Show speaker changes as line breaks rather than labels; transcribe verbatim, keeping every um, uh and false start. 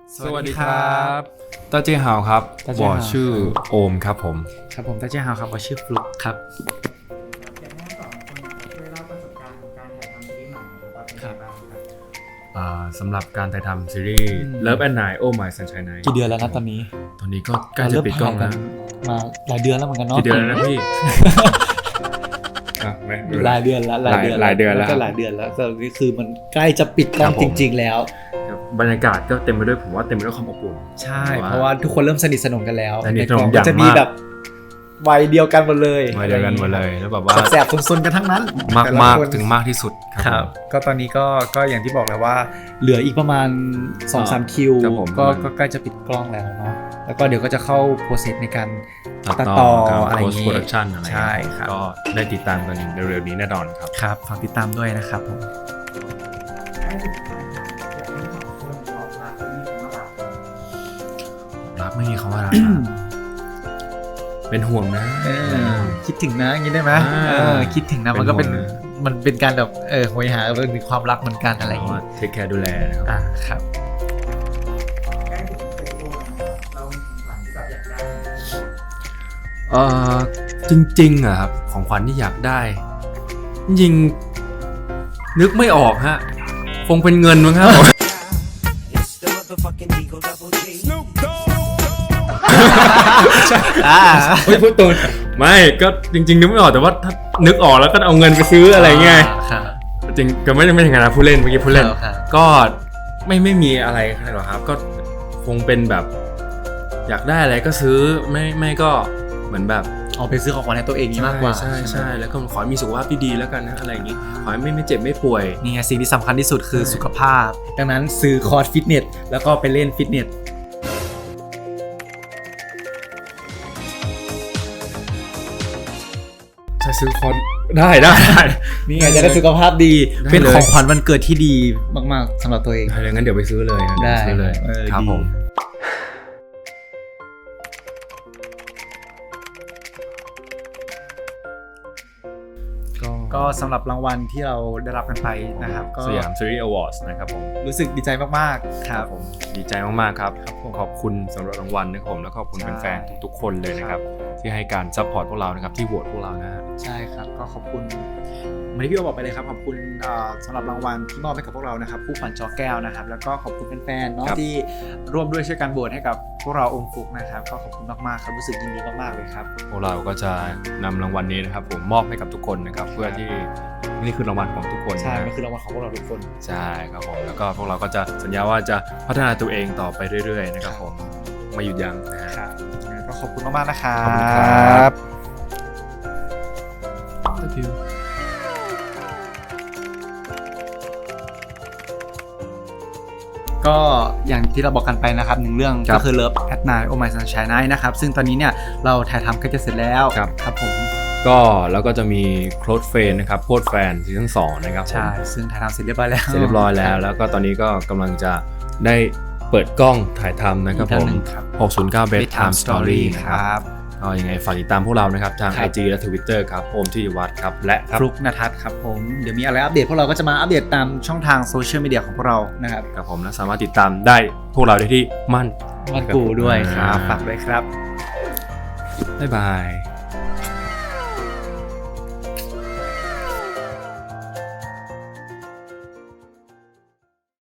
สวัสดีครับต้าเจี้ยฮาวครับวอชื่อโอมครับผม
ครับผมต้าเจี้ยฮาวครับวอชื่อฟลุ๊กครับ
อยากให้สองคนช่วยเล่าประสบการณ์ของการถ่ายทำซีรีส์ใหม่นะครับว่าเป็นยังไงบ้างครับ
สำหรับการถ่ายทำซีรีส์ Love and Night Oh My Sunshine Night
กี่เดือนแล้วนะตอนนี้
ตอนนี้ก็ใกล้จะปิดกล้องแล้ว
มาหลายเดือนแล้วเหมือนกันเนาะ
กี่เดือนแล้วนะพี่
หลายเดือนแล้วหลายเดือน
หลายเดือนแล้ว
ก็หลายเดือนแล้วก็คือมันใกล้จะปิดกล้องจริงๆแล้ว
บรรยากาศก็เต็มไปด้วยผมว่าเต็มไปด้วยความอบอุ่น
ใช่เพราะว่าทุกคนเริ่มสนิทสนมกันแล้ว
ในกองก็
จะมีแบบวัยเดียวกันหมดเลย
วัยเดียวกันหมดเลยแล้วแบบว่า
แสบๆซนๆกันทั้งนั้น
มากมากถึงมากที่สุด
ครับก็ตอนนี้ก็ก็อย่างที่บอกแล้วว่าเหลืออีกประมาณ สองถึงสาม คิวก็ก็ใกล้จะปิดกล้องแล้วเนาะแล้วก็เดี๋ยวก็จะเข้าโปรเซสในการตัดต่ออะไรอย่างงี้
post production อะไร
ใช่ครับ
ก็ได้ติดตามกันเร็วๆนี้แน่นอนครับ
ครับฝากติดตามด้วยนะครับผม
รักไม่มีคำว่ารักเป็นห่วงนะ
คิดถึงนะอย่างนี้ได้ไหมคิดถึงนะมันก็เป็นมันเป็นการแบบเออโหยหาเรื่องความรักเหมือนกันอะไรอย่างเงี้ย
เทคแคร์ดูแลนะครับ
อ่าครับ
เออจริงๆอะครับของขวัญที่อยากได้ยิงนึกไม่ออกฮะคงเป็นเงินมั้งครับ
อ่า
ไม่พูดตูนไม่ก็จริงๆนึกไม่ออกแต่ว่าถ้านึกออกแล้วก็เอาเงินไปซื้ออะไรเงี้ยจริงก็ไม่ได้ไม่ถึงขนาดผู้เล่นเมื่อกี้ผู้เล่นก็ไม่ไม่มีอะไรหรอกครับก็คงเป็นแบบอยากได้อะไรก็ซื้อไม่ไม่ก็เหมือนแบบ
เอาไปซื้อของขวัญให้ตัวเองนี่มากกว่า
ใช่ใช่แล้วก็ขอให้มีสุขภาพที่ดีแล้วกันนะอะไรอย่างงี้ขอให้ไม่ไม่เจ็บไม่ป่วย
นี่ไงสิ่งที่สำคัญที่สุดคือสุขภาพดังนั้นซื้อคอร์สฟิตเนสแล้วก็ไปเล่นฟิตเนส
จะซื้อคอร์สได้ได้
นี่ไงจะได้สุขภาพดีเป็นของขวัญวันเกิดที่ดีมากๆสำหรับตัวเอง
ได้งั้นเดี๋ยวไปซื้อเลยนะ
ได้
ซื้อเลยครับผม
ก็สำหรับรางวัลที่เราได้รับกันไปนะครับก็
สยามซีรีส์อวอร์ดนะครับผม
รู้สึกดีใจมากๆครับ
ผมดีใจมากๆครับขอบคุณสำหรับรางวัลนะครับผมแล้วก็ขอบคุณแฟนๆทุกๆคนเลยนะครับที่ให้การซัพพอร์ตพวกเรานะครับที่โหวตพวกเรานะฮะ
ใช่ครับก็ขอบคุณเหมือนที่พี่โอบอกไปเลยครับขอบคุณสำหรับรางวัลที่มอบให้กับพวกเรานะครับผู้ขวัญจอแก้วนะครับแล้วก็ขอบคุณแฟนๆเนาะที่ร่วมด้วยช่วยกันโหวตให้กับพวกเราองค์ฟุกนะครับก็ขอบคุณมากๆครับรู้สึกยินดีมากๆเลยครับ
พวกเราก็จะนำรางวัลนี้นะครับผมมอบให้กับทุกคนนะครับเพื่อที่นี่คือรางวัลของทุกคน
ใช่มันคือรางวัลของพวกเราทุกคน
ใช่ครับผมแล้วก็พวกเราก็จะสัญญาว่าจะพัฒนาตัวเองต่อไปเรื่อยๆนะครับผมไม่หยุดยั้ง
นะครับก็ขอบคุณมากๆนะครับ
ขอบคุณครับ
ก็อย่างที่เราบอกกันไปนะครับหนึ่งเรื่องก็คือ Love at Night Oh My Sunshine Night นะครับซึ่งตอนนี้เนี่ยเราถ่ายทำใกล้จะเสร็จแล้วครับผม
ก็แล้วก็จะมีโค้ดเฟนนะครับโค้ดแฟนซีซั่นสองนะครับ
ใช่ซึ่งถ่ายทำเสร็จเรียบร้อยแล้ว
เสร็จเรียบร้อยแล้วแล้วก็ตอนนี้ก็กำลังจะได้เปิดกล้องถ่ายทำนะครับผมหกศูนย์เก้า Bedtime Story นะครับก็ยังไงฝากติดตามพวกเรานะครับทาง ไอ จี และ Twitter ครับโอมธีรวัฒน์ครับและ
ฟลุ๊กณทัศน์ครับผมเดี๋ยวมีอะไรอัปเดตพวกเราก็จะมาอัปเดตตามช่องทางโซเชียลมีเดียของพวกเรานะครับ
ครับผมและสามารถติดตามได้พวกเราได้ที่มั่น
มั่นกูด้วยครับฝากด้วยครับ
บ๊ายบาย